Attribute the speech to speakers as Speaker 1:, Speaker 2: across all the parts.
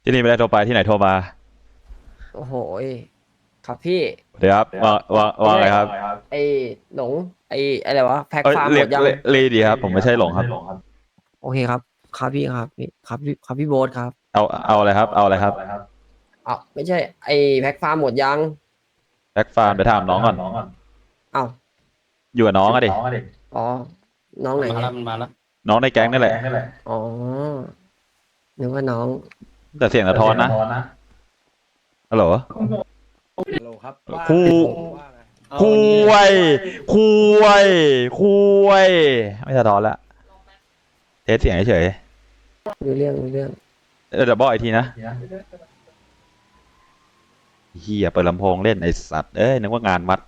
Speaker 1: ที่นี่ไม่ได้โทรไปที่ไหนโทรมา
Speaker 2: โอ้โหยครับพี่
Speaker 1: เดี๋ยวครับว่า
Speaker 2: ไม่ใช่
Speaker 1: อะไรครับ
Speaker 2: ไอ้หลงไอ้อะไรวะแพ็ค
Speaker 1: เอ้ย
Speaker 2: ฟาร์มหมดยัง
Speaker 1: เรียกดีครับผมไม่ใช่หลงครับ
Speaker 2: โอเคครับครับพี่ครับพี่ครับพี่ครับพี่โบ๊ทครับ
Speaker 1: เอาอะไรครับเอาอะไรครับ
Speaker 2: อ้าวไม่ใช่ไอ้แพ็คฟาร์มหมดยัง
Speaker 1: แบ็กฟาร์มไปถามน้องก่อน
Speaker 2: อ้าว
Speaker 1: อยู่กับน้องอะดิ
Speaker 2: อ๋อน้องไหนเนี่ย
Speaker 3: มันมาแล้ว
Speaker 1: น้องในแก๊งนี่แหละ
Speaker 2: อ๋อนึกว่าน้อง
Speaker 1: แต่เสียงสะท้อนนะฮัลโหล
Speaker 4: ฮัลโหลครับว่า
Speaker 1: ครู
Speaker 4: ว่าไง
Speaker 1: คุยคุคุยไม่สะท้อนละเทสเสียงเฉย
Speaker 2: รู้เรื่องรู้เรื่อง
Speaker 1: เดี๋ยวบอกอีกทีนะเฮียเปิดลำโพงเล่นไอสัตว์เอ้ยนึกว่างานมัด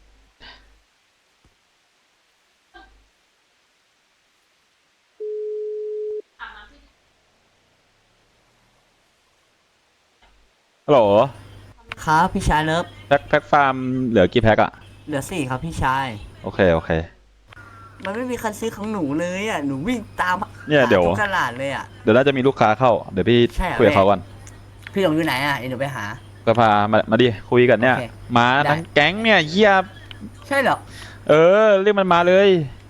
Speaker 1: ฮัลโหล
Speaker 5: ครับพี่ชายเลิฟ
Speaker 1: แพ็คฟาร์มเหลือกี่แพ็คอะ
Speaker 5: เหลือ4ครับพี่ชาย
Speaker 1: โอเค
Speaker 5: มันไม่มีคันซื้อของหนูเลยอ่ะหนูวิ่งตาม
Speaker 1: เนี่ยเดี๋ยว
Speaker 5: หาทุกตลาดเลยอ่ะ
Speaker 1: เดี๋ยวน่าจะมีลูกค้าเข้าเดี๋ยวพี่
Speaker 5: ใช่เหรอ
Speaker 1: คุยกับเขาก่อน
Speaker 5: พี่หลงอยู่ไหนอ่ะเดี๋ยวหนูไปหา
Speaker 1: ก็พามาดิคุยกันเนี่ย
Speaker 5: โอเค
Speaker 1: มา
Speaker 5: ได้
Speaker 1: ทั้งแก๊งเนี่ยเฮีย
Speaker 5: ใช่เหรอ
Speaker 1: เรียกมันมาเลย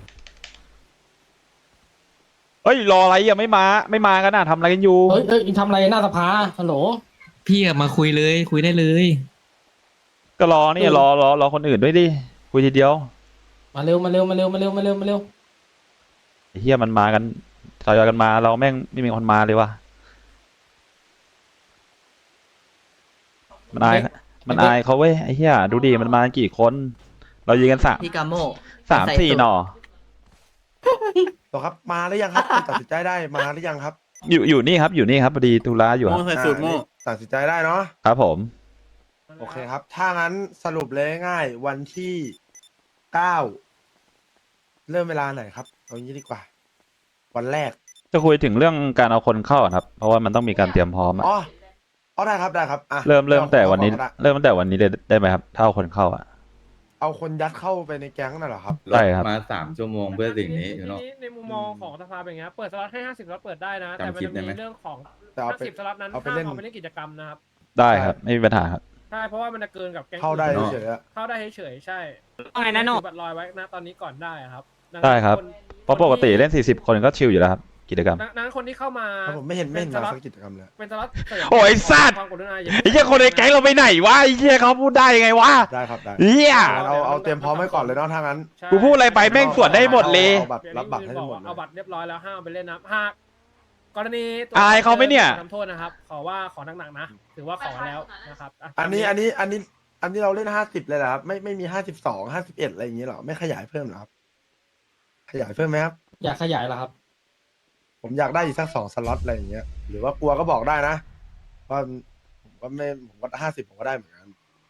Speaker 1: เอ้ยรออะไรอ่ะไม่มากันนะทำอะไรกันอยู่
Speaker 3: เฮ้ยทำอะไรหน้าสภาฮัลโหล
Speaker 6: พี่อะมาคุยเลยคุยได้เลย
Speaker 1: ก็รอนี่รอคนอื่นด้วยดิคุยทีเดียว
Speaker 3: มาเร็วมาเร็วมาเร็วมาเร็วมาเร็วมาเร็ว
Speaker 1: ไอ้เฮียมันมากันทยอยกันมาเราแม่งไม่มีคนมาเลยว่ะมันอายเขาเว้ยไอ้เฮียดูดิมันมากันกี่คน เรายืนกัน
Speaker 5: พี่กาโม
Speaker 1: สามสี่หน่อ
Speaker 4: ต่อครับมาหรือยังครับตัดสินใจได้มาหรือยังครับ
Speaker 1: อยู่นี่ครับพอดีธุระอยู่ครับ
Speaker 4: ตัดสินใจได้เนาะ
Speaker 1: ครับผม
Speaker 4: โอเคครับ ถ้างั้นสรุปเลยง่ายๆวันที่9เริ่มเวลาไหนครับเอางี้ดีกว่า วันแรก
Speaker 1: จะคุยถึงเรื่องการเอาคนเข้าอะครับ เพราะว่ามันต้องมีการเตรียมพร้อมอะ
Speaker 4: อ๋อเอาได้ครับได้ครับอ่ะ
Speaker 1: เริ่มแต่วันนี้
Speaker 4: เอา
Speaker 1: เริ่มตั้งแต่วันนี้เลยได้ไหมครับถ้าเอาคนเข้าอะ
Speaker 4: เอาคนยัดเข้าไปในแก๊งน่ะเหรอครับ
Speaker 1: ได้ครับ
Speaker 7: มา3 ชั่วโมงเพื่อสิ่งนี้อยู่เนาะ
Speaker 8: ในมุมมองของสภาเป็นไงครับเปิดสล็อตให้50สล็อตเปิดได้นะ แต่มัน
Speaker 7: จำคลิ
Speaker 8: จะ
Speaker 7: ปได้
Speaker 8: มี
Speaker 7: ไหม
Speaker 8: เรื่องของ
Speaker 4: แต่เอาไป
Speaker 8: 50สล็อตนั้น
Speaker 4: เอาไป
Speaker 8: ห้าม
Speaker 4: เล่น
Speaker 8: เอาไปเล่นกิจกรรมนะครับ
Speaker 1: ได้ครับไม่มีปัญหาครับ
Speaker 8: ใช่เพราะว่ามันจะเกินกับแก๊ง
Speaker 4: เข้าได้
Speaker 8: อื่น
Speaker 4: เฉยๆอะ
Speaker 8: เข้าได้เฉยๆใช่
Speaker 5: ว่าไงนะโน่
Speaker 8: ถือบัตรลอยไว้นะตอนนี้ก่อนได้ครับดังนั้น
Speaker 1: ได้ครับ
Speaker 8: น
Speaker 1: เพราะปกติเล่น40คนก็ชิลอยู่แล้วครับกิจกรรม
Speaker 8: ดังนั้นคนที่เข้ามา
Speaker 4: ครับผมไม่เห็น
Speaker 8: ป็
Speaker 4: มา
Speaker 8: สล็อต
Speaker 4: สักกิจกรรมเลย
Speaker 8: เป็นสล็อตเสริม
Speaker 1: โอ้ยสัตว์
Speaker 8: ความกรุณาอย่า
Speaker 1: ไอ้เหี้ยคนในแก๊งเราไปไหนวะไอ้เหี้ยเขาพูดได้ไงวะ
Speaker 4: ได้ครับได้
Speaker 1: เหี้ย
Speaker 4: งั้นเอาเตรียมพร้อมไว้ก่อนเลยเนาะถ้างั้น
Speaker 8: ใช่
Speaker 1: กูพูดอะไรไปแม่งสวนได้หมดเลย
Speaker 4: เอาบัตรรับบัตรให้ได้หมดเลย
Speaker 8: เอาบัตรเรียบร้อยแล้วห้ามเอาไปเล่นนะหากกรณีตัว
Speaker 1: อายเขาไหมเนี่ย
Speaker 8: ทำโทษนะครับขอว่าขอหนักๆนะถือว่าขอแล้วนะครับะ
Speaker 4: อันนี้เราเล่น50เลยเหรอครับไม่มี52 51อะไรอย่างงี้เหรอไม่ขยายเพิ่มเหรอครับขยายเพิ่มไหมครับ
Speaker 3: อยากขยายเหรอครับ
Speaker 4: ผมอยากได้อีกสัก2 สล็อตอะไรอย่างเงี้ยหรือว่ากลัวก็บอกได้นะว่าผมก็ไม่ผมก็50ผมก็ได้เหมือนกัน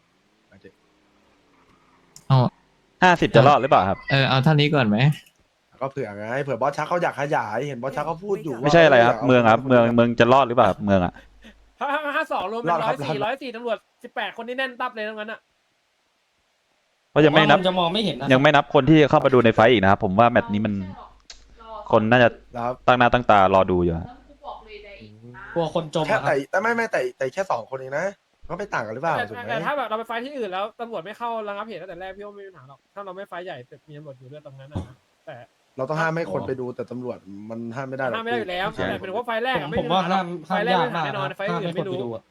Speaker 1: 50จะรอดหรือเปล่าครับ
Speaker 6: เอาเท่านี้ก่อนไหม
Speaker 4: ก็เผื่อไงเผื่อบอสชักเขาอยากขยายเห็นบอสชักเขาพูดอยู่ว่า
Speaker 1: ไม่ใช่อะไรครับ เมืองครับ เมืองจะรอดหรือเปล่าครับเมืองอะ
Speaker 8: 52รวมเป็น104ตำรวจ18คนที่แน่นตับเลยทั้งนั้นอ่ะ
Speaker 1: เพราะยังไม่นับ
Speaker 3: จะมองไม่เห็นนะ
Speaker 1: ยังไม่นับคนที่เข้ามาดูในไฟท์อีกนะครับผมว่าแมตช์นี้มันคนน่าจะ
Speaker 4: แล้ว
Speaker 1: ตั้งหน้าตั้งตารอดูอยู่ฮะ
Speaker 3: กลัวคนจม
Speaker 4: แค่
Speaker 3: อะครับ
Speaker 4: แต่ไม่แต่แค่2 คนเองนะก็ไม่ต่างกันหรือเปล่าถูกไหม
Speaker 8: แต่ถ้าแบบเราไปไฟที่อื่นแล้วตำรวจไม่เข้าระงับเหตุตั้งแต่แรกพี่ว่าไม่มีปัญหาหรอกถ้าเราไม่ไฟใหญ่แต่มีตำรวจอยู่ด้วยตรงนั้นนะแต่
Speaker 4: เราต้องห้ามให้คนไปดูแต่ตำรวจมันห้ามไม่ได้หรอก
Speaker 8: ห้ามไม่ได้อยู่แล้วแต่เป็นว่าไฟแรกอะไม่
Speaker 3: ผม
Speaker 8: มี
Speaker 3: ว่า
Speaker 8: ปัญหา
Speaker 3: ห้าม
Speaker 8: ไฟแรก
Speaker 3: ยาก
Speaker 8: ไม่มีปัญหา
Speaker 3: มาก
Speaker 8: แน่นอนไฟ
Speaker 3: ห้าม
Speaker 8: อื่
Speaker 3: ให้
Speaker 8: น
Speaker 3: คน
Speaker 8: ไม่
Speaker 3: ไป
Speaker 8: รู้
Speaker 3: ดูอะ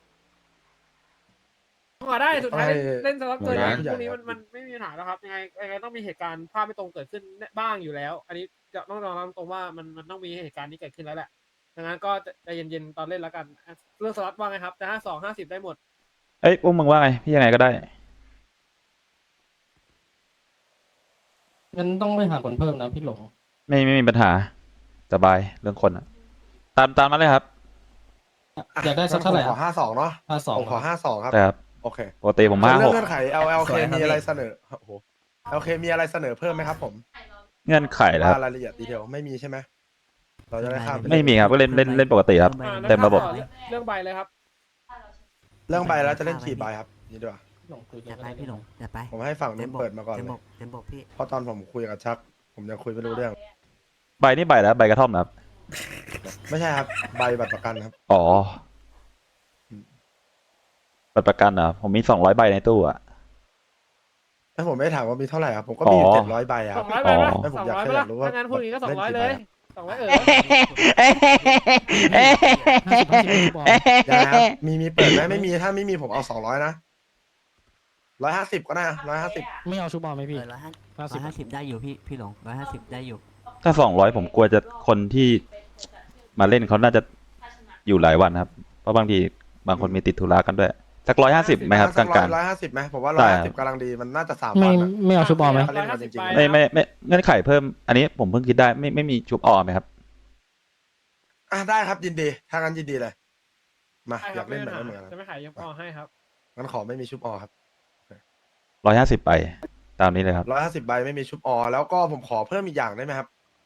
Speaker 8: ก็ได้สุดท้าย
Speaker 4: ให้
Speaker 8: เล่นสล็อตเกิน
Speaker 7: หน่วยงาน
Speaker 8: พวกนี้มันไม่มีปัญหาแล้วครับยังไงต้องมีเหตุการณ์ภาพไม่ตรงเกิดขึ้นบ้างอยู่แล้ว อันนี้จะต้องยอมรับตรงว่ามันต้องมีเหตุการณ์นี้เกิดขึ้นแล้วแหละดังนั้นก็ใจเย็นๆตอนเล่นแล้วกันเรื่องสล็อตว่าไงครับจะ52 50ได้หมด
Speaker 1: เอ้ยพวกมึงว่าไงพี่ยังไงก็ได้
Speaker 3: งั้นต้องไปหาคนเพิ่มนะพี่หลง
Speaker 1: ไม่มีปัญหาสบายเรื่องคนอะตามมาเลยครับ
Speaker 3: อยากได้สักเท่าไหร่
Speaker 4: ผมขอ52เนาะ
Speaker 3: 52
Speaker 4: ผมขอ52ครับ
Speaker 1: แต่ครับ
Speaker 4: โอเค
Speaker 1: ปกติผมมา
Speaker 4: เรื่
Speaker 1: ห
Speaker 4: อง
Speaker 1: ก
Speaker 4: เงื่อนไข LLK มีอะไรเสนอโอ้โห LK มีอะไรเสนอเพิ่มไหมครับผม
Speaker 1: เงื่อนไขแล้วครับ
Speaker 4: รายละเอียดดีเทลไม่มีใช่ไหมเราจะได้ข้ามป
Speaker 1: ไม่มีครับก็เล่นปกติครับ เต็มระบบ
Speaker 8: เรื่องใบเลยครับ
Speaker 4: เรื่องใบแล้วจะเล่นกี่ใบครับนี่ด้วย
Speaker 3: พี่หลงคุย
Speaker 5: จัดไปพี่หลงจัดไป
Speaker 4: ผมให้ฝั่งนู้นเปิดมาก่อน
Speaker 5: เต็ม
Speaker 4: เล
Speaker 5: บ
Speaker 4: ย
Speaker 5: กเต็มบกพี่
Speaker 4: เพราะตอนผมคุยกับชัก ผมยังคุยไม่รู้เรื่อง
Speaker 1: ใบนี่ใบแล้วใบกระท่อมนะครับ
Speaker 4: ไม่ใช่ครับใบบัตรประกันครับ
Speaker 1: อ๋อบัตรประกันเหรอผมมี200 ใบในตู้อะ
Speaker 4: ถ้าผมไม่ถามว่ามีเท่าไหร่ครับผมก็มีอยู่
Speaker 1: อ๋อ
Speaker 4: 700 ใบอะค
Speaker 8: ส
Speaker 4: รั
Speaker 8: อบ งร้อยไปไหม
Speaker 4: ไม่ผม
Speaker 8: สอง
Speaker 4: อยาก
Speaker 8: ร้อย
Speaker 4: แค่
Speaker 8: ไป
Speaker 4: อยากรู้ว่า
Speaker 8: ถ้างั้นพูดอย่างนี้ก็200เลย200
Speaker 4: อย่าครับมีเปิดไหมไม่มีถ้าไม่มีผมเอา200นะ150ก็ได้150
Speaker 3: ไม่เอาชูบอลไหมพี่
Speaker 5: 150ได้อยู่พี่หลง150ได้อยู่
Speaker 1: ถ้า200ผมกลัวจะคนที่มาเล่นเขาน่าจะอยู่หลายวันครับ เพราะบางทีบางคนมีติดธุระกันด้วยสัก150ไหมครับกลาง
Speaker 4: 150ไหมผมว่า
Speaker 1: ได้ครับ
Speaker 4: 150กำลังดีมันน่าจะ3
Speaker 3: ไม่
Speaker 4: วันอะ
Speaker 3: ไม่เอาชูบอลไหม
Speaker 4: ถ้าเล่นกันจริง
Speaker 1: ๆไม่เงื่อนไขเพิ่ม อันนี้ผมเพิ่งคิดได้ไม่มีชุบออมไหมครับ
Speaker 4: ได้ครับยินดีถ้างั้นยินดีเลยมา
Speaker 8: ใช่
Speaker 4: อ
Speaker 8: ครั
Speaker 4: ยา
Speaker 8: บ
Speaker 4: กเล่นแบบนั้นเหมือนกัน
Speaker 8: จะไม่ขายยกออให้ครับ
Speaker 4: งั้นขอไม่มีชุบออครับ
Speaker 1: 150 ไปตามนี้เลยครับ
Speaker 4: 150 ใบไม่มีชุบออแล้วก็ผมขอเพิ่มอีกอย่างได้ไหมครับ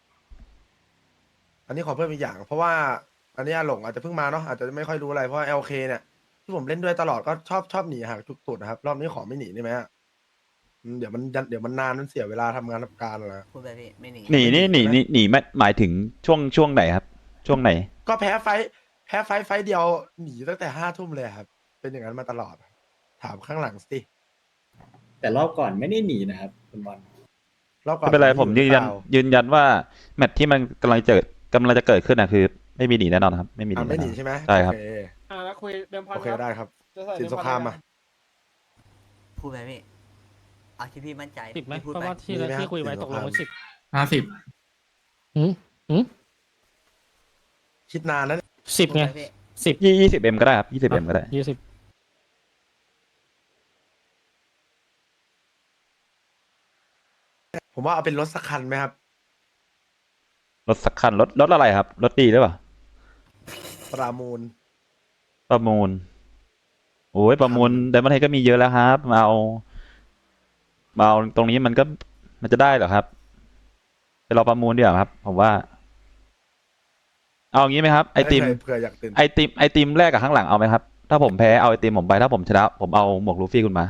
Speaker 4: อันนี้ขอเพิ่มอีกอย่าง เพราะว่าอันนี้อาหลงอาจจะเพิ่งมาเนาะอาจจะไม่ค่อยรู้อะไรเพราะว่า LK เนี่ยที่ผมเล่นด้วยตลอดก็ชอบหนีห่างทุกตุดนะครับรอบนี้ขอไม่หนีได้ไหมอะเดี๋ยวมันนานมันเสียเวลาทำงานทำการอะไร
Speaker 5: พูดไปพี่ไม่หนี
Speaker 1: หนีนี่หนีหมายถึงช่วงไหนครับ ช่วงไหน
Speaker 4: ก็แพ้ไฟท์เดียวหนีตั้งแต่5 ทุ่มเลยครับ เป็นอย่างนั้นมาตลอด ถามข้างหลังสิ
Speaker 7: แต่รอบก่อนไม่ได้หนีนะครับคุณบอล
Speaker 4: รอบก่อน
Speaker 1: ไม่เป็นไรผมยืนยัน
Speaker 4: หรือเปล่า
Speaker 1: ยืนยันว่าแมตช์ที่มันกำลังจะเกิดขึ้นนะคือ ไม่มีหนีแน่นอนครับ ไม่มีหนี
Speaker 4: ไม่
Speaker 1: แน่
Speaker 4: ห
Speaker 1: น
Speaker 4: นี
Speaker 1: อน
Speaker 4: ใช่ไหม
Speaker 1: ใช่ครับ
Speaker 4: โอเค
Speaker 8: แล้วคุยเดิมพัน
Speaker 4: โอเคได้ครับ
Speaker 8: จะใส่
Speaker 4: สิน
Speaker 8: เดิ
Speaker 4: สงคราม
Speaker 8: พั
Speaker 4: มา
Speaker 8: น
Speaker 5: พูดไปพี่เอาที่พี่มั่นใจ
Speaker 3: 10ไหม
Speaker 5: พี่พูด
Speaker 3: เพราะ
Speaker 5: ไป
Speaker 3: ว่าที่
Speaker 4: มีไหมครับ
Speaker 3: ที่คุยไว้ตกลงไว้
Speaker 4: สิบ
Speaker 3: 10
Speaker 6: 50
Speaker 4: คิดนานนะ
Speaker 3: 10ไง
Speaker 5: พูดปพี่
Speaker 3: 10
Speaker 1: 20M ก็ได้ครับ 20M ก็ได้
Speaker 3: 20
Speaker 4: ผมว่าเอาเป็นรถสักคันไหมครับ
Speaker 1: รถสักคันรถอะไรครับ รถดีหรือเปล่า
Speaker 4: ประมูล
Speaker 1: ประมูล โอ้ยประมูลไดมอนด์เฮดก็มีเยอะแล้วครับมาเอาตรงนี้มันจะได้เหรอครับไปรอประมูลดีกว่าครับ ผมว่า เอางี้ไหมครับไอติม
Speaker 4: เผื่ออยากตื่น
Speaker 1: ไอติมแรกกับข้างหลังเอาไหมครับ ถ้าผมแพ้เอาไอติมผมไปถ้าผมชนะผมเอาหมวกลูฟี่คุณมา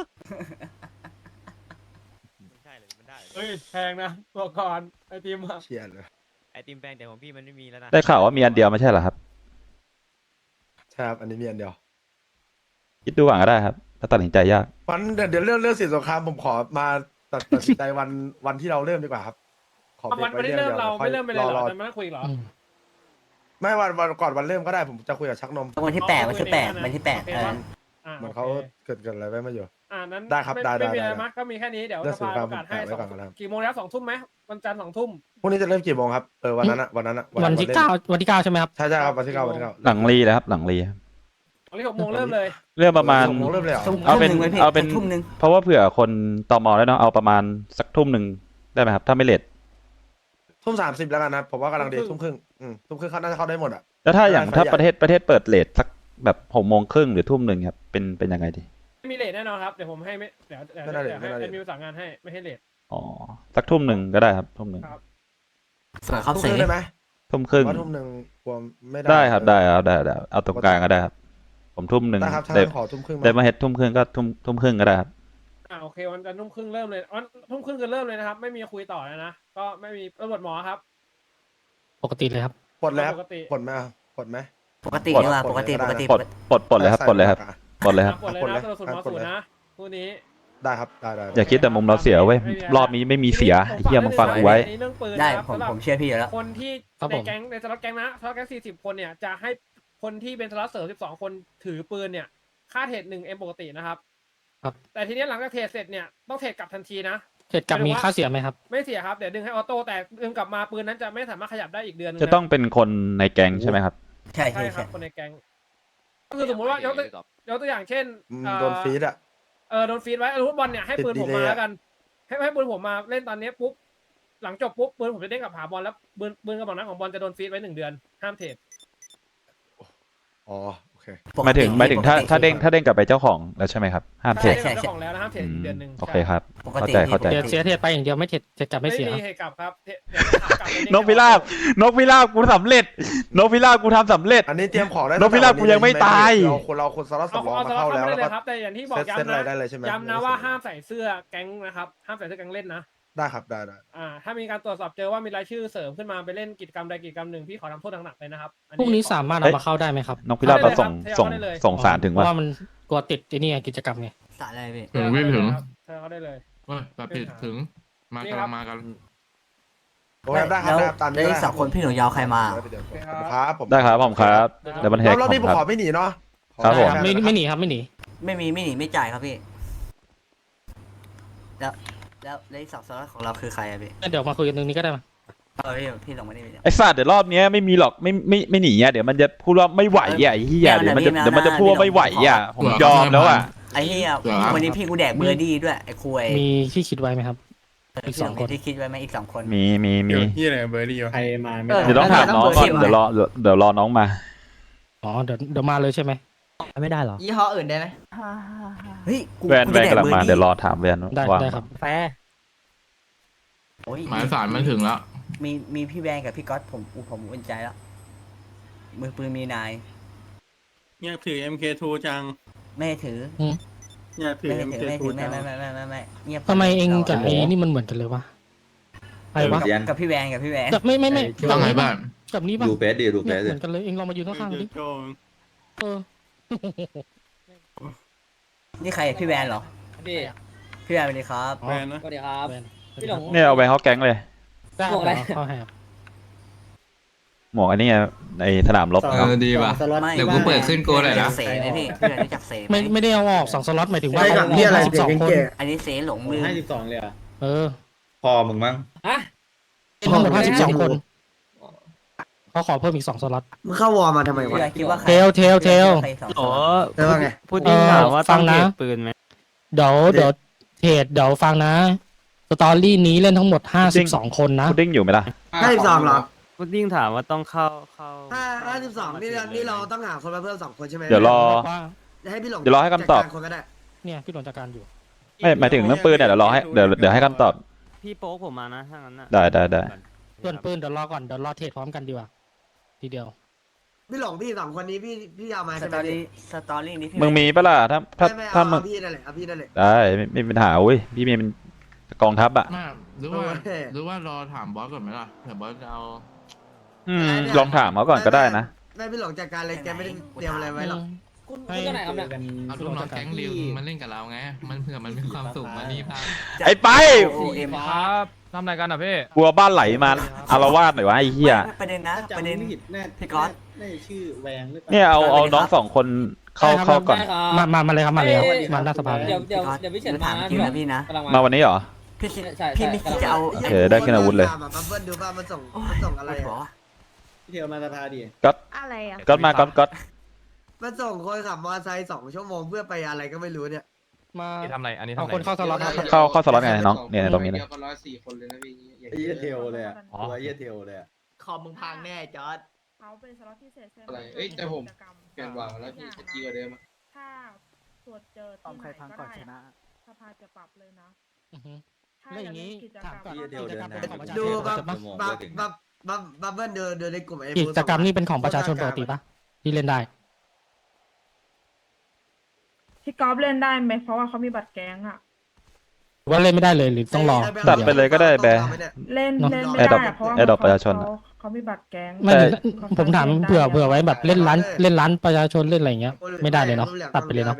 Speaker 8: เฮ้ยแพงนะบอกก่อนไอติมอะ
Speaker 4: เชียร์เลย
Speaker 2: ไอติมแปลงแต่ของพี่มันไม่มีแล้วนะ
Speaker 1: ได้ข่าวว่ามีอันเดียวไม่ใช่เหรอครับ
Speaker 4: ใช่ครับอันนี้มีอันเดียว
Speaker 1: คิดดูก่อนก็ได้ครับ ถ้าตัดสินใจยาก
Speaker 4: วันเดี๋ยวเรื่องสินสงครามผมขอมาตัดสินใจวันที่เราเริ่มดีกว่าครับ ขอ
Speaker 8: เอา
Speaker 4: เบร
Speaker 8: วัน
Speaker 4: ก
Speaker 8: ที่
Speaker 4: ไว้
Speaker 8: เริ่ม
Speaker 4: ดียว
Speaker 8: เรา
Speaker 4: ค่อ
Speaker 8: ไม่เริ่มไปเลยเหรอ
Speaker 4: รอ
Speaker 8: จะมานั่งคุยเหรอ
Speaker 4: ไม่วันก่อนวันเริ่มก็ได้ผมจะคุยกับชักนม
Speaker 5: วันที่แปดวันที่แปดวันที่แปด
Speaker 8: โอเค
Speaker 5: เออ
Speaker 8: ปะ
Speaker 4: เหมือนเขาเกิดอะไรไว้มาอยู่
Speaker 8: นั้น
Speaker 4: ได้ครับ
Speaker 8: ม่
Speaker 4: ได้
Speaker 8: ไม่มี
Speaker 4: ได้
Speaker 8: อะไรมากก็มีแค่นี้เดี๋ยว
Speaker 4: เรื่อง
Speaker 8: สภา
Speaker 4: สงคราม
Speaker 8: ประกาศให้
Speaker 4: ผมแปะไว้ก่อนนะครับ
Speaker 8: กี่โมงแล้ว2 ทุ่มไหมวันจันทร์2 ทุ่ม
Speaker 4: พรุ่งนี้จะเริ่มกี่โมงครับวันนั้นอะ
Speaker 3: วันที่ 9 วันที่ 9 ใช่ไหมครับ
Speaker 4: ใช่ครับวันที่ 9วันที่ 9
Speaker 1: หลังรีเลยครับ หลังรีครับ
Speaker 8: วันที่6 โมงเริ่มเลย
Speaker 1: เรื่องประมาณ
Speaker 4: 6 โมงเริ่มเลยเหรอ
Speaker 5: ทุ่ม
Speaker 1: เอาเป็น
Speaker 5: หนึ่งไว้พี่
Speaker 1: เอาเป็น
Speaker 5: ทุ่มหนึ่ง
Speaker 1: เพราะว่าเผื่อคนตมแล้วเนาะเอาประมาณสักทุ่มหนึ่งได้ไหมครับ ถ้าไม่เลท
Speaker 4: ทุ่ม30แล้วกันนะผมว่ากำลังดีทุ่มครึ่งทุ่มครึ่งเขาน่าจะเข้าได้หมดอะ
Speaker 1: แล้วถ้าอย่าง
Speaker 4: ได้
Speaker 1: ถ้า
Speaker 4: ขยาย
Speaker 1: ประเทศเปิดเลทสักแบบ6 โมงครึ่งหรือทุ่มหนึ่งครับเป็นยังไงดี
Speaker 8: ไม่มีเลทแน่นอนครับเดี๋ยวผมให้ไม่เดี๋ยวให้แอดมินประสานงานให้ไม่ให้เลท
Speaker 1: อ๋อสักทุ่มหนึ่งก็ได้ครับทุ่มหนึ่ง
Speaker 8: ครับ
Speaker 5: สวยครับ
Speaker 4: ทุ่ม
Speaker 5: เส
Speaker 4: ครึ่งได้ไหม
Speaker 1: ทุ่มครึ่ง
Speaker 4: ว่าทุ่มหนึ่งกลัวไม่ได้
Speaker 1: ได้ครับได้เอาตรงกลางก็ได้ครับ ผมทุ่มหนึ่ง
Speaker 4: ได้ครับถ้า
Speaker 1: ได้
Speaker 4: งั้นขอทุ่มครึ่ง
Speaker 1: ได้มาเฮ็ดทุ่มครึ่งก็ทุ่มครึ่งก็ได้ครับ
Speaker 8: โอเควันจันทร์ทุ่มครึ่งเริ่มเลยวันทุ่มครึ่งคือเริ่มเลยนะครับไม่มีคุยต่อแล้วนะก็ไม่มีตำรวจหมอครับ
Speaker 3: ปกติเลยครับ
Speaker 4: ปลดแล้ว
Speaker 8: ปกติ
Speaker 4: ปลดไหมปลดไหม
Speaker 5: ปกติดีกว่าปกติ
Speaker 4: ปลด
Speaker 5: ปกติ
Speaker 1: ปลดเลยครับปลดเลยครับปลดเลยครับ
Speaker 8: ปลดเลยนะตำรวจหมอศูนย์นะคู่นี้
Speaker 4: ได้ครับได้
Speaker 1: อย่าคิดแต่มุมเราเสียเว้ยรอบนี้ไม่มีเสียไอ้เฮียมึงฟังกูไว้
Speaker 8: อันนี้เรื่องปืน
Speaker 5: ได้
Speaker 8: นะครับ
Speaker 5: ผม
Speaker 8: สำหรับ
Speaker 5: ผมเชื่อพี่อยู่แล้ว
Speaker 8: คนที่
Speaker 3: ครับ
Speaker 8: ใน
Speaker 3: ผม
Speaker 8: แก๊งในสล็อตแก๊งนะสล็อตแก๊ง40 คนเนี่ยจะให้คนที่เป็นสล็อตเสริม12 คนถือปืนเนี่ยค่าเทรด1M ปกตินะครับ
Speaker 3: ครับ
Speaker 8: แต่ทีนี้หลังจากเทรดเสร็จเนี่ยต้องเทรดกลับทันทีนะ
Speaker 3: เหตุกับมีค่าเสียไหมครับ
Speaker 8: ไม่เสียครับเดี๋ยวดึงให้ออโต้แต่ดึงกลับมาปืนนั้นจะไม่สามารถขยับได้อีกเดือนนึง
Speaker 1: จะต้องเป็นคนในแก๊งใช่ไหมครับ
Speaker 5: ใช่
Speaker 8: ใช่
Speaker 5: ใช่
Speaker 8: ครั
Speaker 5: ใช่
Speaker 8: บคนในแก๊งก็คือสมมติว่ายกตัวอย่างเช่น
Speaker 4: โดนฟีดอะ
Speaker 8: โดนฟีดไว้ลูกบอลเนี่ยให้ปืนผมมาแล้วกันให้ปืนผมมาเล่นตอนนี้ปุ๊บหลังจบปุ๊บปืนผมจะเด้งกลับหาบอลแล้วปืนกระบอกนั้นของบอลจะโดนฟีดไว้1 เดือนห้ามเทรด
Speaker 4: อ๋อโอเค
Speaker 1: หมายถึงถ้าเด้งกลับไปเจ้าของแล้วใช่ไหมครับห้ามเทรด
Speaker 8: ใช่เจ้าของแล้วนะห้ามเทรดอีกเดือนหนึ่ง
Speaker 1: โอเคครับ
Speaker 5: ปก
Speaker 1: เข้า
Speaker 5: ติ
Speaker 1: ใจเข้าใจ
Speaker 3: เสียเทรดไปอย่างเดียวไม่เทรดเทรดกลับไม่เสีย
Speaker 8: มีเหตุกลับครับเดี๋ยวถามกลับไปเด้ง
Speaker 1: นกพิราบกูสำเร็จนกพิราบกูทำสำเร็จ
Speaker 4: อันนี้เตรียมของได้
Speaker 1: นกพิราบกูยังไม่ตาย
Speaker 4: เราคนสล็อต
Speaker 8: เอา
Speaker 4: สำรอง
Speaker 8: เอา
Speaker 4: มา
Speaker 8: สล็อ
Speaker 4: เข้า
Speaker 8: ต
Speaker 4: แล้ว
Speaker 8: เข้าไป
Speaker 4: แล้ว
Speaker 8: เลย
Speaker 4: ก็
Speaker 8: ครับแต่อย่างที่บอก
Speaker 4: เซ็ตอะไรได้เลยใช่ไหม
Speaker 8: ย้ำนะว่าห้ามใส่เสื้อแก๊งนะครับห้ามใส่เสื้อแก๊งเล่นนะ
Speaker 4: ได้ครับได้ได้
Speaker 8: ถ้ามีการตรวจสอบเจอว่ามีรายชื่อเสริมขึ้นมาไปเล่นกิจกรรมใดกิจกรรมหนึ่งพี่ขอทำโทษหนักๆเลยนะครับอั
Speaker 3: พรุ่งนี้
Speaker 8: ขอ
Speaker 3: สามารถเอามาเข้าได้ไหมครับ
Speaker 1: นกพิราบเราส่ง
Speaker 8: เข้าได้เลยครับ
Speaker 1: ส่งสารถึง
Speaker 3: เพ
Speaker 1: ว่า
Speaker 3: ราะว่ามันกลัวติดไอ้นี่ไงกิจกรรมไง
Speaker 5: สารอะไรพี่
Speaker 6: ถึงไม่ถึง
Speaker 8: เชิญเขาได้เลย
Speaker 6: เฮ้ยแบบผิดถึง มา
Speaker 8: นี่
Speaker 6: กำ
Speaker 8: ครั
Speaker 6: ลั
Speaker 8: บ
Speaker 6: งมากัน
Speaker 4: โอ้ยได้ครับได้ครับตามนี้
Speaker 5: แล้วอีก
Speaker 4: ได้
Speaker 5: สองคนพี่หนูยาวใครมา
Speaker 4: ครับผม
Speaker 1: ได้ครับผมครับเดี๋ยวมันแหก
Speaker 4: รอบนี้ผม
Speaker 1: ค
Speaker 4: ข
Speaker 1: รั
Speaker 4: อบ ไม่หนีเนาะ
Speaker 1: ครับผม
Speaker 3: ไม่หนีครับไม่หนี
Speaker 5: ไม่มีไม่หนีไม่จ่ายครับพี่ แล้วอีกสองสล็อตของเราคือใครอะพี่
Speaker 3: เดี๋ยวมาคุยกันตรงนี้ก็ได้มา
Speaker 5: พี่ลงมานี่พี่
Speaker 1: ไอ้สัตว์เดี๋ยวรอบเนี้ยไม่มีหรอกไม่หนีอ่ะเดี๋ยวมันจะพูดว่าไม่ไหวอ่ะไอ้เหี้ย
Speaker 5: ไม่
Speaker 1: เดี๋ยว
Speaker 5: เอา
Speaker 1: มันจะ
Speaker 5: ไม่เอา
Speaker 1: เดี๋ยวมันจะพูดว่าไม่ไหวอ่ะผม
Speaker 6: เหรอ
Speaker 1: ยอมแล้วอ่ะ
Speaker 5: ไอ้เหี้ย
Speaker 6: เหรอ
Speaker 5: วันนี้พี่กูแดกเบอร์ดี้ด้วยไอ้คุย
Speaker 3: มีที่คิดไว้ไหมครับ อีกสองคน
Speaker 5: ที่คิดไว้ไหมอีกสองคน
Speaker 1: มี
Speaker 7: ที่อะไรเบอร์ดี้ใครมาไม่
Speaker 1: เดี๋ยวต้องถามน้องก่อนเดี๋ยวรอน้องมา
Speaker 3: อ๋อเดี๋ยวมาเลยใช่ไหม
Speaker 2: ไม่ได้เหรอ
Speaker 9: ยี่ห้ออื่นได้ไหม
Speaker 5: เฮ้ยกู
Speaker 1: แวน
Speaker 5: กู
Speaker 1: แว
Speaker 5: จะ
Speaker 1: น
Speaker 5: แดก
Speaker 1: กำลัง
Speaker 5: เบอร์
Speaker 1: มา
Speaker 5: ดี้
Speaker 1: เดี๋ยวรอถามแวน
Speaker 3: ได้
Speaker 1: ว่า
Speaker 3: ได้ครับ
Speaker 2: แฟร์
Speaker 5: โอ้ย
Speaker 6: หมายสารมันถึงแล้ว
Speaker 5: มีพี่แวนกับพี่ก๊อตผมอุ่นใจแล้วมือปืนมีนาย
Speaker 7: อยากถือ MK2 จัง
Speaker 5: ไม่ให้ถือ
Speaker 7: อยากถือ
Speaker 5: ไม่ให้ถือไม่
Speaker 7: MK2
Speaker 5: ถือ
Speaker 7: จัง
Speaker 5: ไม่เงียบ
Speaker 3: ทำไมเองกับไอ้นี่มันเหมือนกันเลยวะไอ้วะ
Speaker 5: กับพี่แวนกับพี่แวน
Speaker 3: กับไม่
Speaker 6: ต้องไงบ้าง
Speaker 3: กับนี้ป่ะ
Speaker 10: ดูเฟสดิดูเฟ
Speaker 3: เนี่ย
Speaker 10: ส
Speaker 3: เห
Speaker 10: ดิ
Speaker 3: มือนกันเลยเองลองมายืนข้างๆดิเออ
Speaker 5: นี่ใครพี่แวนเหรอ
Speaker 9: พี่
Speaker 5: พี่แวนสวัสดีครับ
Speaker 7: แวนนะ
Speaker 9: สวัสดีครับ
Speaker 3: แวน
Speaker 9: พี่หลง
Speaker 1: เนี่ยเอาไปเขาแก๊งเลย
Speaker 3: ได้
Speaker 9: บอกอะไร
Speaker 3: เข้าให้ครับ
Speaker 1: หมวกอันนี้ไงในสนามรบ
Speaker 6: เออดีว่ะ
Speaker 5: ไม่
Speaker 6: เดี๋ยวกูเปิดขึ้นโกหน่อยนะ
Speaker 5: เสไหมพี่พี่แวนรู้จักเสไหม
Speaker 3: ไม่ได้เอาออก2 สล็อตหมายถึงว่า
Speaker 4: ได้กับนี่อะไร
Speaker 3: 12 คน
Speaker 5: อันนี้เสหลงมือ
Speaker 7: 52เลยอ่ะ
Speaker 3: เออ
Speaker 10: พอมึงมั้ง
Speaker 9: ฮะ
Speaker 3: เป็นทั้งหมด52 คนเขาขอเพิ่มอีก2 สล็อต
Speaker 2: มึงเข้าวอร์มาทำไมวะ
Speaker 5: พี่แวนคิดว่าใคร
Speaker 3: เทล
Speaker 5: ใครสอง
Speaker 2: โอ้
Speaker 5: คน
Speaker 4: ว่าไง
Speaker 2: พูดจริงถามว่า
Speaker 3: ฟั
Speaker 2: ต้อง ง
Speaker 3: นะ
Speaker 2: เก็บปืนไหม
Speaker 3: เดี๋ยวเทรดเดี๋ยวฟังนะ สตอรี่นี้เล่นทั้งหมด52 คนนะ
Speaker 1: พุดดิ้งอยู่ไหมล่ะ
Speaker 2: 52เหรอ
Speaker 9: พุดดิ้งถามว่าต้องเข้า
Speaker 2: 52นี่เราต้องหาคนมาเพิ่ม2คนใช่ไหม
Speaker 1: เดี๋ยวรอ
Speaker 2: ให้พี่หลง
Speaker 1: เดี๋ยวรอให้คำตอบ
Speaker 2: จัดการคนก็ได้
Speaker 3: เนี่ยพี่หลวงจัดการอยู่
Speaker 1: ไม่หมายถึงเรื่องปืนเนี่ยเดี๋ยวรอให้เดี๋ยวให้คำตอบ
Speaker 9: พี่โป๊กผมมานะถ้างั้นน่ะ
Speaker 1: ได้
Speaker 3: ส่วนปืนเดี๋ยวรอก่อนเดี๋ยวรอเทรดพร้อมกันดีกว่าทีเดียว
Speaker 2: พี่หลงพี่2คนนี้พี่ยาวมา
Speaker 5: ส
Speaker 2: ใช่ไห
Speaker 5: ต
Speaker 2: ม
Speaker 5: อรี่สตอรี่นี้พี่
Speaker 1: มึงมีปะล่ะถ้า
Speaker 2: ไม่
Speaker 1: ถ้า
Speaker 2: เอา
Speaker 1: มึง
Speaker 2: พี่นั่นแหละเอาพี่นั่นแหละ
Speaker 1: ได้ไม่มีปัญหาอุ้ยพี่มีเป็นกองทัพอ่ะ
Speaker 6: มาหรือว่า
Speaker 2: โอ้ย
Speaker 6: หรือว่ารอถามบอสก่อนไหมล่ะเผื่อบอสจะเอา
Speaker 1: ลองถามเขาก่อนก็ได้นะ
Speaker 2: ไม่พี่หลงจัดการเลยแกไม่ได้เตรียมอะไรไว้หรอก
Speaker 9: คุณตัวไหนครับเนี่ย
Speaker 6: เอาลูกน้องแก๊งริวมันเล่นกับเราไง มันเผื่อมันมีความสุขมานี่พา
Speaker 1: ไอ้ไป
Speaker 5: โอเอ็ม
Speaker 3: ครับทำอะไรกันอ่ะพี่
Speaker 1: กลัวบ้านไหลมาอารวาสหน่อยวะไอ้เหี้ย
Speaker 5: ประเด็นนะประเด็น พี่ก๊อต
Speaker 7: น่าจะชื่อแวงหรือเปล่า
Speaker 1: เนี่ยเอาน้องสองคนเข้าก่อน
Speaker 9: ได้ครับ
Speaker 3: มาเลยครับมาเลยครับมาหน้าสภาเลย
Speaker 9: เดี๋ยวพี่เฉิน
Speaker 5: ถาม
Speaker 9: มา
Speaker 5: จริงนะพี่นะ
Speaker 9: กำลัง
Speaker 1: มา
Speaker 9: มา
Speaker 1: วันนี้เหรอ
Speaker 5: พี่คิด
Speaker 9: ใช่
Speaker 5: พี่ไม่คิดจะเอา
Speaker 1: โอเคได้ขึ้นอาวุธเลย
Speaker 2: มาเบิ้ลดูว่ามันส่งอะไร
Speaker 5: ปวดหัว
Speaker 2: อะ
Speaker 7: พี่เทลมาสภาดิ
Speaker 11: อะไรอ่ะ
Speaker 1: ก็มาก็
Speaker 2: มันส่งคนขับมอเตอร์ไซค์2 ชั่วโมงเพื่อไปอะไรก็ไม่รู้เนี่ย
Speaker 3: มา
Speaker 10: ทำอะไรอันนี้
Speaker 3: เอาคนเข้าสล็อตครับ
Speaker 1: เข้าสล็อตไงน้องเนี่ยตรงนี้เลย
Speaker 7: ไอ้เหี้ยเทลเลยอ่ะตัวไอ้เหี้ยเทลเลยอ่ะ
Speaker 9: คอมมึงพังแน่จอร์ด
Speaker 11: เขาเป็นสล็อตพิเศษใช่ไหม
Speaker 8: อะไรเอ้ยแต่ผม
Speaker 11: เปลี่ยนวางแล้วพี่จะดีกว่าเดิมถ้าตรวจเจอที่ไหนก็ได้สภาจะปรับเลยนะ
Speaker 3: อือฮึ
Speaker 11: ถ้า
Speaker 3: แล้วอย่างนี้
Speaker 11: นี้กิจกร
Speaker 3: ถาม
Speaker 11: รม
Speaker 3: ก่อน
Speaker 10: เดี๋ยว
Speaker 3: กิจกรรม
Speaker 10: เดิน
Speaker 3: เป็นของประชาช
Speaker 2: ดู
Speaker 3: นป
Speaker 2: บั
Speaker 3: ก
Speaker 2: บ
Speaker 3: ติปะ
Speaker 2: บับเบิ้ลเดินในกลุ่มไอ้
Speaker 3: กิจกรรมนี่เป็นของประชาชนปกติปะที่เล่นได้
Speaker 11: พี่กอล์ฟเล่นได้ไหมเพราะว่าเขามีบัตรแก๊งอ่ะ
Speaker 3: หรือว่าเล่นไม่ได้เลยหรือต้องรอ
Speaker 1: ตัดไปเลยก็ได้แบร์
Speaker 11: เล่น
Speaker 3: เนอะ
Speaker 11: เล่นไม่
Speaker 1: Adopt
Speaker 11: ได้อะเพราะว่า
Speaker 1: Adopt ประชาชนอะ
Speaker 11: เขามีบัตรแก๊ง
Speaker 3: ไม่ผมถามเผื่อไว้แบบเล่นร้านประชาชนเล่นอะไรอย่างเงี้ยไม่ได้เลยเนาะตัดไปเลยเนาะ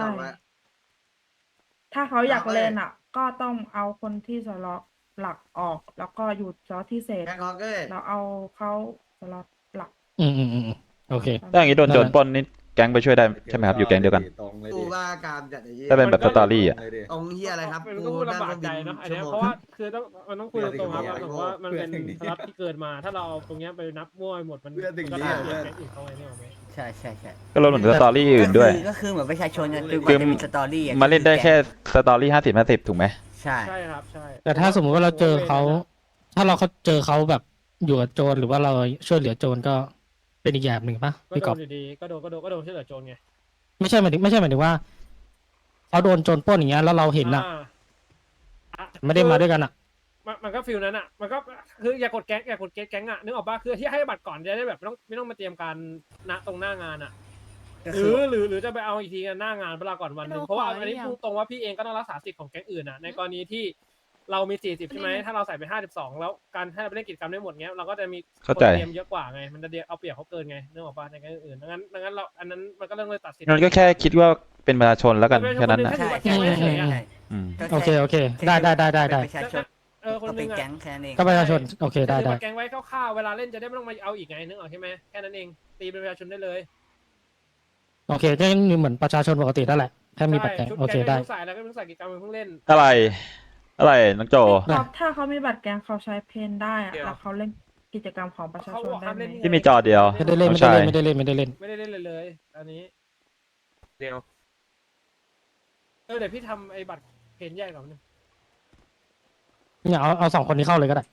Speaker 11: ถ้าเขาอยากเล่นอ่ะ ก็ต้องเอาคนที่สล็อตหลักออก แล้วก็หยุดสล็อตที่เศษ
Speaker 2: แบงค์ฮอกเกอร์
Speaker 11: แล้วเอาเขาสล็อตหลัก
Speaker 3: อืมโอเค
Speaker 1: ถ้าอย่างนี้โดนโจรปล้นนี่แก๊งไปช่วยได้ใช่ไหมครับอยู่แก๊งเดียวกัน
Speaker 7: ตรงเลย
Speaker 2: กู
Speaker 7: ดิ
Speaker 2: ว่าการจัดอย่างนี้
Speaker 1: ถ้าเป็นแบบสตอรี่อ่ะ
Speaker 7: เลยดิ
Speaker 2: องเฮียอะไรครับ
Speaker 8: มันก็พูดลำบากใจเนาะอันเนี้ยเพราะว่าคือต้องมันต้องคุยตรงๆครับผมว่ามันเป็นสล็อตที่เกิดมา ถ้าเราเอาตรงเนี้ยไปนับมั่วไปหมดมันก็ได้เปลี่ยนแก๊งอื่นเข้าไปเนี่ยหรอไหม
Speaker 5: ใช่ใช่
Speaker 1: ก็รวมถึงสตอรี่อื่นด้วย
Speaker 5: ก็คือเหมือนประชาชนเนี่ย
Speaker 1: คื
Speaker 5: คือ อมันจะมีสตอรี่อะ
Speaker 1: มาเล่นได้แค่สตอรี่50-50ถูกไหม
Speaker 5: ใช่
Speaker 8: ใช่ครับใช่
Speaker 3: แต่ถ้าสมมุติว่าเราเจอเขาถ้าเราเจอเขาแบบอยู่กับโจรหรือว่าเราช่วยเหลือโจรก็เป็นอีกอย่างหนึ่งปะ
Speaker 8: ก็
Speaker 3: พี่
Speaker 8: โด
Speaker 3: กอบ
Speaker 8: นอยู่ดีก็โดนช่วยเหลือโจรไง
Speaker 3: ไม่ใช่หมายถึงว่าเขาโดนโจรปล้นอย่างเงี้ยแล้วเราเห็นอะ
Speaker 8: อ่า
Speaker 3: ไม่ได้มาด้วยกันอะ
Speaker 8: มันก็ฟิลนั้นอ่ะมันก็คืออย่ากดแก๊งอ่ะนึกออกป่ะคือที่ให้บัตรก่อนจะได้แบบไม่ต้องมาเตรียมการณตรงหน้างานอ่ะ
Speaker 5: ก็
Speaker 8: ห
Speaker 5: คื
Speaker 8: รือจะไปเอาอีกทีกันหน้างานเวลาก่อนวันหนึงเพราะว่าอันนี้พูดตรงว่าพี่เองก็ต้องรักษาสิทธิ์ของแก๊งอื่นอ่ะในกรณีที่เรามี 40 ใช่ไหมถ้าเราใส่ไป 52 แล้วการให้เราไปเล่นกิจกรรมได้หมดเงี้ยเราก็จะมี
Speaker 1: เข้าใจ
Speaker 8: คนเตรียมเยอะกว่าไงมันจะเอาเปรียบเขาเกินไงเรื่องของปาในการอื่นดังนั้นเราอันนั้นมันก็เรื่องเลยตัดสิน
Speaker 1: งั้นก็แค่คิดว่าเป็นประชาชนแล้วกันแค่นั้นนะ
Speaker 5: ใช่
Speaker 8: แค่ไว้เฉยๆอะ
Speaker 5: ใช่
Speaker 1: อืม
Speaker 5: ก็
Speaker 3: โอเค
Speaker 5: แ
Speaker 3: โอเค ได้ได้ได้ได้ได้
Speaker 5: เป็นประชาชน
Speaker 8: คน
Speaker 5: ก็
Speaker 8: ห
Speaker 5: เป็
Speaker 8: นึ
Speaker 5: น
Speaker 8: งอะ
Speaker 5: แก๊งแค่นั้นเอง
Speaker 3: ก็ประชาชนโอเคได้
Speaker 8: ถือ
Speaker 3: ได้
Speaker 8: บัตรแกงไว้คร่าวๆเวลาเล่นจะได้ไม่ต้องมาเอาอีกไงนึกออกใช่ไหมแค่นั้นเองตีเป็นประชาชนได้เลย
Speaker 3: โอเคก็ยังเหมือนประชาชนปกตินั่นแหละแค่มีบัตรแก๊ง
Speaker 8: ชุด
Speaker 3: โอเค
Speaker 8: แกง
Speaker 3: ได้
Speaker 8: ไม่ต้องใส่แล้วก็ไม่ต้องใส่กิจกรรมเพิ่งเล่น
Speaker 1: อะไร อะไรน้องโจ
Speaker 11: ครับถ้าเขามีบัตรแกงเขาใช้เพนได้อะแล้วเขาเล่นกิจกรรมของประชาชนได้ไหม
Speaker 1: ที่มีจอเดียว
Speaker 3: ไม่ได้เล่น
Speaker 1: น้
Speaker 3: ไม่
Speaker 1: อง
Speaker 3: ได้
Speaker 1: ชาย
Speaker 3: เล่นไม่ได้เล่นไม่ได้เล่น
Speaker 8: ไม่ได้เล่นเลยอันนี้
Speaker 6: เดียว
Speaker 8: เดี๋ยวพี่ทำไอ้บัตรเพนแยกก่อนนึง
Speaker 3: เนี่ยเอาสองคนนี้เข้าเลยก็ได้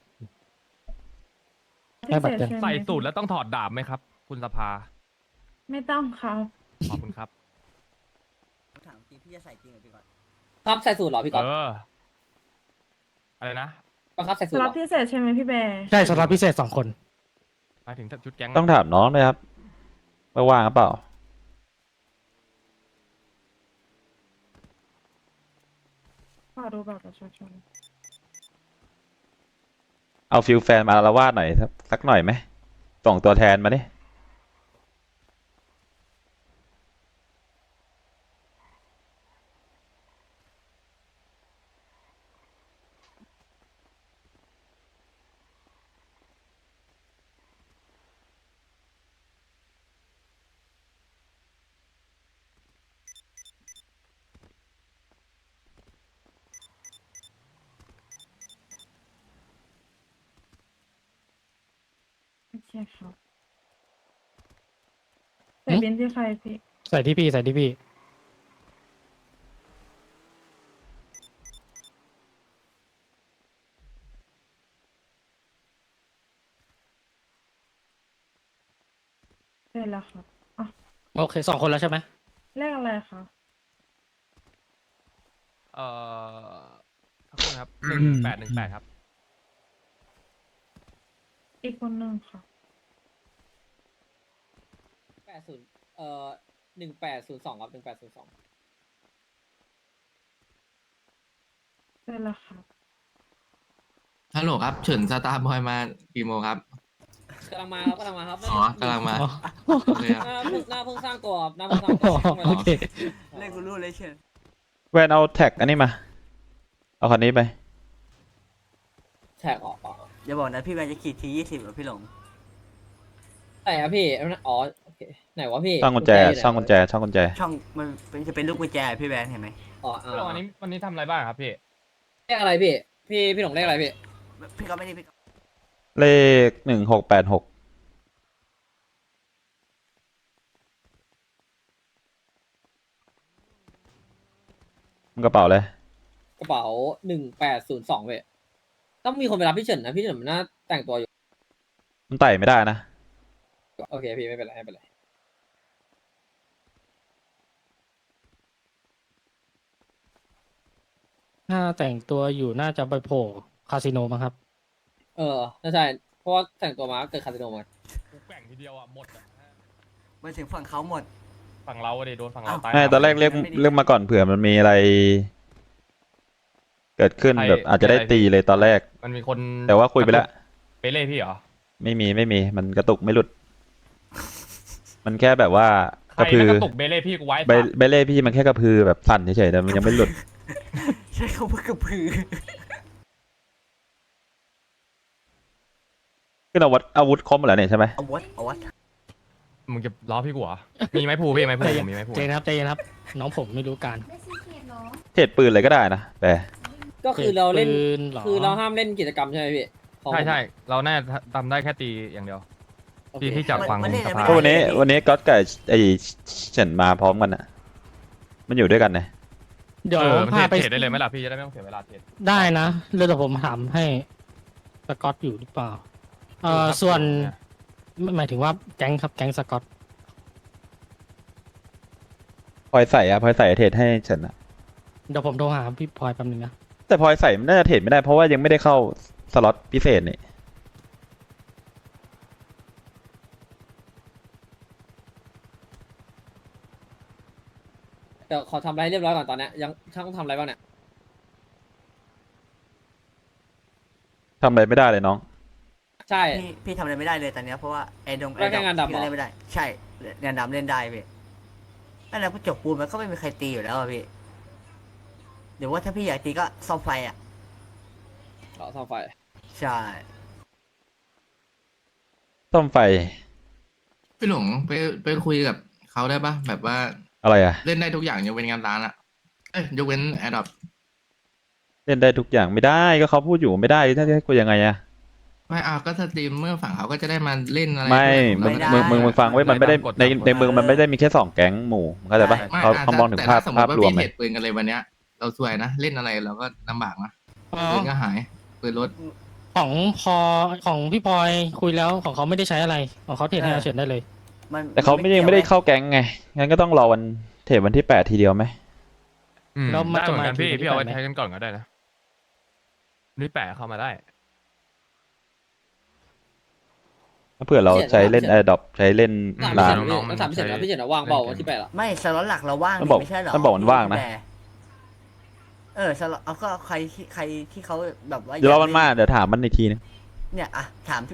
Speaker 3: ให้บัตรแกง
Speaker 11: พิเศษ
Speaker 6: ใส่
Speaker 11: ช่ไหม
Speaker 6: สูตรแล้วต้องถอดดาบไหมครับ คุณสภา
Speaker 11: ไม่ต้องครับ
Speaker 6: ขอบคุณครับ
Speaker 5: ถามจริงพี่จะใส่จริงเหรอพี่ก่อน
Speaker 9: ครับใส่สูตรเหรอพี่ก๊อฟ
Speaker 6: อะไรนะ
Speaker 9: บังคับใส่
Speaker 11: ส
Speaker 9: สูตรเห
Speaker 11: ล็
Speaker 9: ร
Speaker 11: อต
Speaker 9: อ
Speaker 11: พิเศษใช่ไหมพี่แบร์
Speaker 3: ใช่สล็อตพิเศษ2 คน
Speaker 6: หมายถึงชุดแก๊ง
Speaker 1: ต้องถามน้องด้วยครับว่าว่างหรือเปล่า
Speaker 11: ขอดูบัตรประชาชน
Speaker 1: เอาฟิลแฟนมาอาละวาดหน่อยสักหน่อยไหมส่งตัวแทนมาดิ
Speaker 11: โอเคครับใส่บินที่ใครพี่
Speaker 3: ใส่ที่พี่ใส่ที่พี่
Speaker 11: เสร็จแล้วครับอ่ะ
Speaker 3: โอเค2 คนแล้วใช่ไหม
Speaker 11: เลขอะไรคะ
Speaker 6: สักครู่นะครับ1818ครับ
Speaker 11: อีกคนหนึ่งค่ะ
Speaker 9: 80 1802ครับ1802
Speaker 11: เสร็จแล้วครับ
Speaker 6: ฮัลโหลครับ เฉินสตาร์บอยมากี่โมงครับ
Speaker 9: กำลังมาครับกำลังมาครับ
Speaker 6: อ๋อกำลังมา โอเคครับ
Speaker 9: หน้าเพิ่งสร้างตัวครับหน้าเพิ่งสร้างตัว
Speaker 3: โอเค
Speaker 5: เล่นกูรู้เลยเชิญ
Speaker 1: แวนเอาแท็กอันนี้มา เอาคันนี้ไป
Speaker 9: แท็กออก
Speaker 5: อย่าบอกนะพี่แบร์จะขี่ที20หรอพี่หลง
Speaker 9: ไหนครับพี่อ๋อโอเคไหนวะพี่
Speaker 1: ช่องกุญแจ
Speaker 9: อยู่ไหน
Speaker 1: ช่องกุญแจ ช่องกุญแจ
Speaker 5: ช่องมันจะเป็นลูกกุญแจพี่แบร์เห็นไหม
Speaker 9: อ๋อ
Speaker 6: วันนี้ทำอะไรบ้างครับพี่
Speaker 9: เลขอะไรพี่พี่หลงเลขอะไรพี่
Speaker 5: พี่ก็ไม่ได้พี่ก็
Speaker 1: เลข1686มันกระเป๋าเลย
Speaker 9: กระเป๋า1802เว้ยต้องมีคนไปรับพี่เฉินนะพี่เฉินมันน่าแต่งตัวอยู่
Speaker 1: มันไต่ไม่ได้นะ
Speaker 9: โอเคพี่ไม่เป็นไรไม่เป็นไร
Speaker 3: ถ้าแต่งตัวอยู่น่าจะไปโผล่คาสิโนมั้งครับ
Speaker 9: น่าใช่เพราะว่าแต่งตัวมาก็เกิดคาสิโนมา
Speaker 6: แบ่งทีเดียวอ่ะ หมดอ่ะ
Speaker 5: มาถึงฝั่งเขาหมด
Speaker 6: ฝั่งเราอะดิโดนฝั่งเราตาย
Speaker 1: ไม่ตอนแรกเรียกมาก่อนเผื่อมันมีอะไร เกิดขึ้นแบบอาจจะได้ตีเลยตอนแรก
Speaker 6: มันมีคน
Speaker 1: แต่ว่าคุยไปแล้ว
Speaker 6: ไปเล่พี่เหรอ
Speaker 1: ไม่มีมันกระตุกไม่หลุด มันแค่แบบว่า
Speaker 6: ใค
Speaker 1: ก
Speaker 6: ร
Speaker 1: ระพื
Speaker 6: แล้ว
Speaker 1: อ
Speaker 6: ก็ตกเบเล่พี่กูไว้
Speaker 1: ใบเล่พี่มันแค่กระพือแบบสั่นเฉยๆแต่มันยังไม่หลุด
Speaker 5: ใช่เขาเพิ่งกระพือ
Speaker 1: ขึ้นอาวุธครบหมดแล้วเนี่ยใช่ไหม
Speaker 5: เอาวัด
Speaker 6: มึงจะล้อพี่กูเหรอ มีไม้ผูพี่ไม้ผู
Speaker 3: ใจเย็น
Speaker 6: มีไม้ผู
Speaker 3: ใจเย็นครับใจเย็นครับ น้องผมไม่รู้การ
Speaker 1: เทรดปืนเลยก็ได้นะแต่
Speaker 9: ก็คือเราเล่น
Speaker 3: ปืนหรอ
Speaker 9: คือเราห้ามเล่นกิจกรรมใช่ไหมพี่ของ
Speaker 6: ใช่ เราแน่าทำได้แค่ตีอย่างเดียว
Speaker 9: โอเค
Speaker 6: ที่จากฟังสภา
Speaker 1: ก็วันนี้ก๊อตกับไอ้เฉินมาพร้อมกันอ่ะ มันอยู่ด้วยกันนะ
Speaker 3: เดี๋ยว
Speaker 6: มัน
Speaker 3: พาไป
Speaker 6: เทรดได้เลยไหมล่ะพี่จะได้ไม่ต้องเสียเวลาเทรด
Speaker 3: ได้นะเดี๋ยวผมถามให้สกอตอยู่หรือเปล่าส่วนหมายถึงว่าแก๊งครับแก๊งสกอต
Speaker 1: พลอยใส่เทรดให้เฉินอะ
Speaker 3: เดี๋ยวผมโทรหาพี่พลอยแป๊บนึงนะ
Speaker 1: แต่พลอยใส่มันน่าจะเทรดไม่ได้เพราะว่ายังไม่ได้เข้าสล็อตพิเศษนี่
Speaker 9: เดี๋ยวขอทำอะไรเรียบร้อยก่อนตอนเนี้ยยังช่างต้องทำอะไรบ้างเนี่ย
Speaker 1: ทำอะไรไม่ได้เลยน้อง
Speaker 9: ใช่
Speaker 5: พี่ทำอะไรไม่ได้เลยตอนเนี้ยเพราะว่าไอ้ดง
Speaker 9: แล้วแค่งานดำเหรอ
Speaker 5: พี่เล่นไม่ได้ ใช่งานดำเล่นได้พี่นั่นแหละพอจบปูนมันก็ไม่มีใครตีอยู่แล้วอะพี่เดี๋ยวว่าถ้าพี่อยากตีก็ซ่อมไฟอ่ะ
Speaker 9: เหรอซ่อมไฟ
Speaker 5: ใช่
Speaker 1: ต้มไฟ
Speaker 6: พี่หลงไปคุยกับเขาได้ปะแบบว่า
Speaker 1: อะไรอ่ะ
Speaker 6: เล่นได้ทุกอย่างยกเว้นงานร้านอะเอ้ยยกเว้นแอดดอป
Speaker 1: เล่นได้ทุกอย่างไม่ได้ก็เขาพูดอยู่ไม่ได้ถ้าจะให้กูยังไงอ่ะ
Speaker 6: ไม่เอาก็สตรีมเมื่อฝั่งเขาก็จะได้มาเล่นอะไร
Speaker 1: ไม่
Speaker 6: ด้วย
Speaker 1: มึงฟังไว้มันไม่ได้ในเมืองมันไม่ได้มีแค่2 แก๊งหมู่เข้าใจปะ
Speaker 6: ไม่
Speaker 1: เขามองถึง
Speaker 6: แต่
Speaker 1: ภาพ
Speaker 6: ถ้สมม
Speaker 1: ภาพ
Speaker 6: ติว่าร
Speaker 1: วม
Speaker 6: พี่
Speaker 1: เล
Speaker 6: เทร
Speaker 1: ย
Speaker 6: ดปืนกันเลยวันเนี้ย เราซวยนะเล่นอะไรเราก็ลำบากนะ
Speaker 3: อ๋อ
Speaker 6: ปืนก็หายปืนรถ
Speaker 3: ของของพี่พลอยคุยแล้วของเขาไม่ได้ใช้อะไรของเขาเทรดให้อาเฉินได้เลย
Speaker 5: มัน
Speaker 1: แต่เขาไม่ยังไม่ได้เข้าแก๊งไงงั้นก็ต้องรอวันเทปวันที่8ทีเดียวไหม
Speaker 3: แล้วมัน
Speaker 10: ได้
Speaker 3: จะ
Speaker 10: เหมือ
Speaker 3: มาน
Speaker 10: กันพี่
Speaker 3: ที
Speaker 10: พี่เอาไว้
Speaker 3: ไหม
Speaker 10: ใช้กันก่อนก็ได้นะนี่แปะเข้ามาได้
Speaker 1: ถ้าเผื่อเราใช้เล่น Adopt ใช้เล่น
Speaker 9: ถาม
Speaker 1: ร้าน
Speaker 9: พี่เฉินแล้วถามพี่เฉินแล้วพี่เฉินว่างเปล่าวันที่8อะ
Speaker 5: ไม่สล็อตหลักเราว่าง
Speaker 1: ต้อง
Speaker 5: นี่
Speaker 1: บอก
Speaker 5: ไม่ใช่เหรอ
Speaker 1: ต้องบอกมันว่างนะ
Speaker 5: สล็อตเอาก็ใครที่เขาแบบว่า
Speaker 1: เดี๋ยวรอ
Speaker 5: อย
Speaker 1: มันมาเดี๋ยวถามมันอีกทีนึง
Speaker 5: เนี่ยอะถามพี่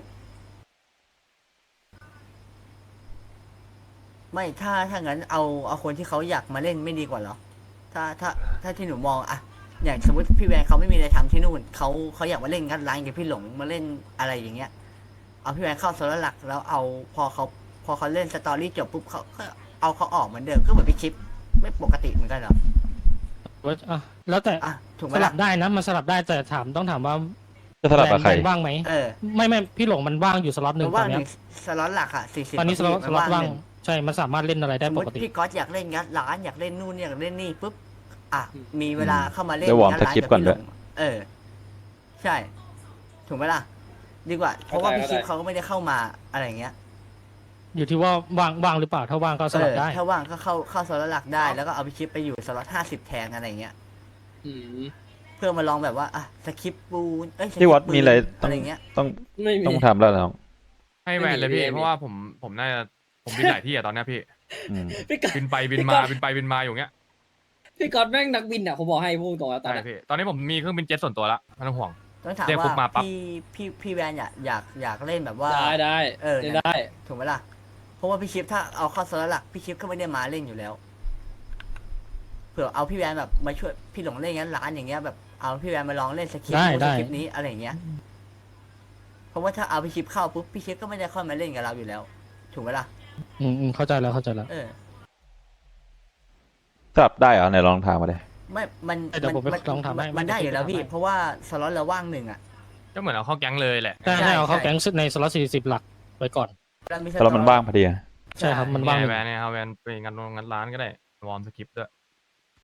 Speaker 5: ไม่ถ้างั้นเอาคนที่เขาอยากมาเล่นไม่ดีกว่าเหรอถ้าที่หนูมองอะอย่างสมมติพี่แวนเขาไม่มีอะไรทำที่นู่นเขาอยากมาเล่นงัดร้านกับพี่หลงมาเล่นอะไรอย่างเงี้ย เอาพี่แวนเข้าโซลหลักแล้วเอาพอเขาเล่นสตอรี่จบปุ๊บเขาก็เอาเขาออกเหมือนเดิมก็เหมือนพี่ชิปไม่ปกติเหมือนกันเหรอ
Speaker 3: ว่าอ่ะแล้วแต่
Speaker 5: อ่ะถูกไหม
Speaker 3: สลั
Speaker 5: ล่ะ
Speaker 3: บได้นะมันสลับได้แต่ต้องถามว่า
Speaker 1: จะสลับกับใคร
Speaker 3: แบนว่างไหม ไม่พี่หลงมันว่างอยู่สล็อตหนึ่
Speaker 5: มั
Speaker 3: ง
Speaker 5: น
Speaker 3: ตอ
Speaker 5: ว่าง
Speaker 3: น
Speaker 5: ห
Speaker 3: เนี้
Speaker 5: นึ่
Speaker 3: ย
Speaker 5: งสล็อตหลักอ่ะ40
Speaker 3: ตอนนี้สล็อต
Speaker 5: มัน
Speaker 3: ว่าง
Speaker 5: หนึ่ง
Speaker 3: ใช่มันสามารถเล่นอะไร
Speaker 5: ส
Speaker 3: ได้
Speaker 5: มม
Speaker 3: ป
Speaker 5: ติ
Speaker 3: กติ
Speaker 5: พี่ก๊อตอยากเล่นงัดร้านอยากเล่นนู่นอยากเล่นนี่ปุ๊บอ่ะมีเวลาเข้ามาเล่น
Speaker 1: เดี๋ยววอร์ม
Speaker 5: งัดร้าน
Speaker 1: สคริปต์ก่อนด้วย
Speaker 5: บพี่หลงใช่ ถูกไหมล่ะ ดีกว่า เพราะว่าพี่ชิปเขาก็ไม่ได้เข้ามาอะไรอย่างเงี้ย
Speaker 3: อยู่ที่ว่าว่างหรือเปล่าถ้าว่างก็สลับได้
Speaker 5: ถ้าว่างก็เข้าสล็อตหลักได้แล้วก็เอาพี่ชิปไปอยู่สล็อต50แทนอะไรอย่างเงี้ย
Speaker 9: อืม
Speaker 5: เพื่อมาลองแบบว่าอ่ะสคริปต์ปูนสคริปต์
Speaker 1: ที่วัดมีอะไร
Speaker 5: ปืน
Speaker 1: ต้อง
Speaker 5: เงี้ย
Speaker 1: ต้อง
Speaker 9: ไม่มี
Speaker 1: ต้องทำแล้วน้อง
Speaker 10: ให้แวนเลยพี่
Speaker 9: ไม่มี
Speaker 10: เพราะว่าผมน่าจะผมบินหลายที่อะตอนเนี้ยพี่
Speaker 1: อืม
Speaker 9: พี่ก๊อต
Speaker 10: บินไปบินมาบินไปบินมาอยู่เงี้ย
Speaker 9: พี่ก๊อตแม่งนักบินอะผมบอกให้พูดตรงแล้วตอน
Speaker 10: ใช่
Speaker 9: เนี้ย
Speaker 10: พี่ตอนนี้ผมมีเครื่องบินเจ็ตส่วนตัวละไม่ต้องห่วง
Speaker 5: ต้องถาม
Speaker 10: เรียกปุ๊บมา
Speaker 5: ว่า
Speaker 10: ปั๊บ
Speaker 5: พี่แวนอยากเล่นแบบว่า
Speaker 9: ได้
Speaker 5: เล่น
Speaker 9: ได้
Speaker 5: ถูกไหมล่ะ เพราะว่าพี่ชิปถ้าเอาเข้าโซลหลักพี่ชิปก็ไม่ได้มาเล่นอยู่แล้ว เผื่อเอาพี่แวนแบบมาช่วยพี่หลงเล่นงั้นร้านอย่างเงี้ยแบบเอาพี่แวนมาลองเล่นสคริปต์
Speaker 3: ได้
Speaker 5: นู้น
Speaker 3: ได้
Speaker 5: สคริปต์นี้อะไรอย่างเงี้ย เพราะว่าถ้าเอาพี่ชิปเข้าปุ๊บพี่ชิปก็ไม่ได้เข้ามาเล่นกับเราอยู่แล้ว ถูกไหมล่ะ
Speaker 3: เข้าใจแล้ว
Speaker 1: สลับได้เหรอไหนลองถามมาเลย
Speaker 5: ไม่มัน
Speaker 3: เดี๋ยวผมไปลองถามให้
Speaker 5: มันได้อยู่แล้วพี่
Speaker 3: ไม่ได้
Speaker 5: เพราะว่าสล็อตเราว่าง1อ่ะ
Speaker 10: ก็เหมือนเอาเข้าแก๊งเลยแหละ
Speaker 3: ได้ให้เอาเข้าแก๊งในสล็อต40 หลักไว้ก่อน
Speaker 5: แล้วมี
Speaker 1: แล้วมันว่างพอดีอะ
Speaker 3: ใช่ครับมันว่างหนึ่ง
Speaker 10: แวนเนี่ยเอาแวนไปงานร้านก็ได้วอร์มสคริปต์ด้วย